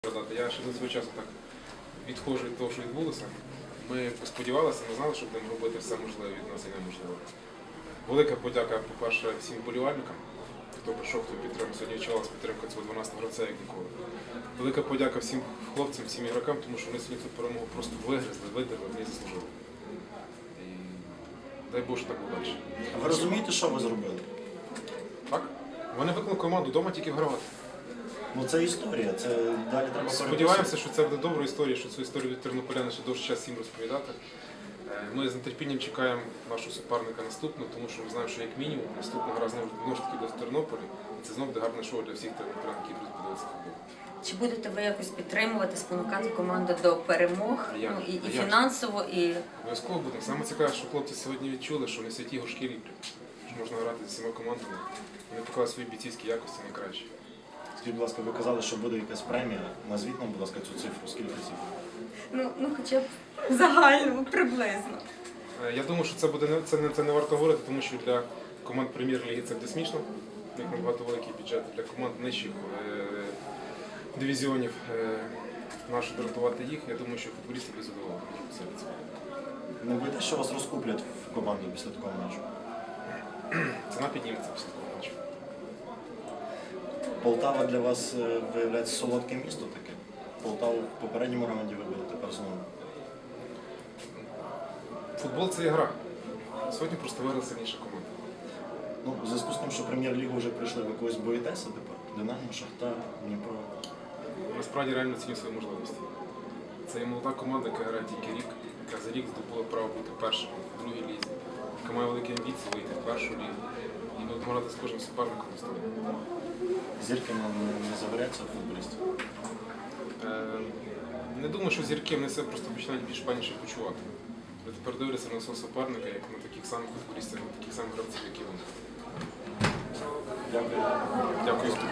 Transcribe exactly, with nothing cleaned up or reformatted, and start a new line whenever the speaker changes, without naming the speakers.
Я ще до свого часу так відходжу від того, що відбулося. Ми сподівалися, ми знали, що будемо робити все можливе від нас і неможливе. Велика подяка, по-перше, всім вболівальникам, хто прийшов, хто підтримав. Сьогодні відчувалася підтримка цього дванадцятого гравця, як ніколи. Велика подяка всім хлопцям, всім ігрокам, тому що вони сьогодні цю перемогу просто вигризли, видерли, вони заслужили. І дай Боже, так буде далі.
А ви розумієте, що ви зробили?
Так? Вони викликали команду вдома тільки гравати.
Ну це історія, це далі треба
Сподіваємося, що це буде добра історія, що цю історію від тернополяни ще довше час всім розповідати. Ми з нетерпінням чекаємо нашого суперника наступного, тому що ми знаємо, що як мінімум наступна гра знову ж таки буде в Тернополі. І це знову буде гарне шоу для всіх тернополян, які будуть подивитися футбол.
Чи будете ви якось підтримувати, спонукати команду до перемог,
Я,
ну, і, і
я
фінансово, і...
Обов'язково будемо. Саме цікаве, що хлопці сьогодні відчули, що не святі горшки ліплять, що можна грати з всіма командами. Вони показали свої бійцівські якості найкращі.
Скажіть, будь ласка, ви казали, що буде якась премія. Назвіть нам, будь ласка, цю цифру. Скільки цифр?
Ну, ну хоча б загально, приблизно.
Я думаю, що це буде не це не це не варто говорити, тому що для команд прем'єр-ліги це буде смішно, як набагато великий бюджет. Для команд нижчих е дивізіонів е нащо дратувати їх. Я думаю, що футболісти будуть задоволені.
Не боїтеся, що вас розкуплять в команду після такого матчу?
Ціна підніметься після такого матчу.
Полтава для вас виявляється солодке місто таке. Полтаву в попередньому раунді вибили, тепер знову.
Футбол це гра. Сьогодні просто виграла сильніша команда.
Ну, в зв'язку з тим, що прем'єр-лігу вже прийшли, ви когось боїтеся тепер? Динамо, Шахтар, Дніпро.
Насправді реально ціню свої можливості. Це є молода команда, яка грає тільки рік, яка за рік здобула право бути першим в другій лізі, яка має великі амбіції вийти в першу лігу. І ми будемо грати з кожним суперником на столі.
Зірки не, не заваряться футболістів?
Е, не думаю, що зірки вони себе просто починають більш паніше почувати. Ви тепер дивляться на свого суперника, як на таких самих футболістів, на таких самих гравців, як і вони.
Дякую.
Дякую.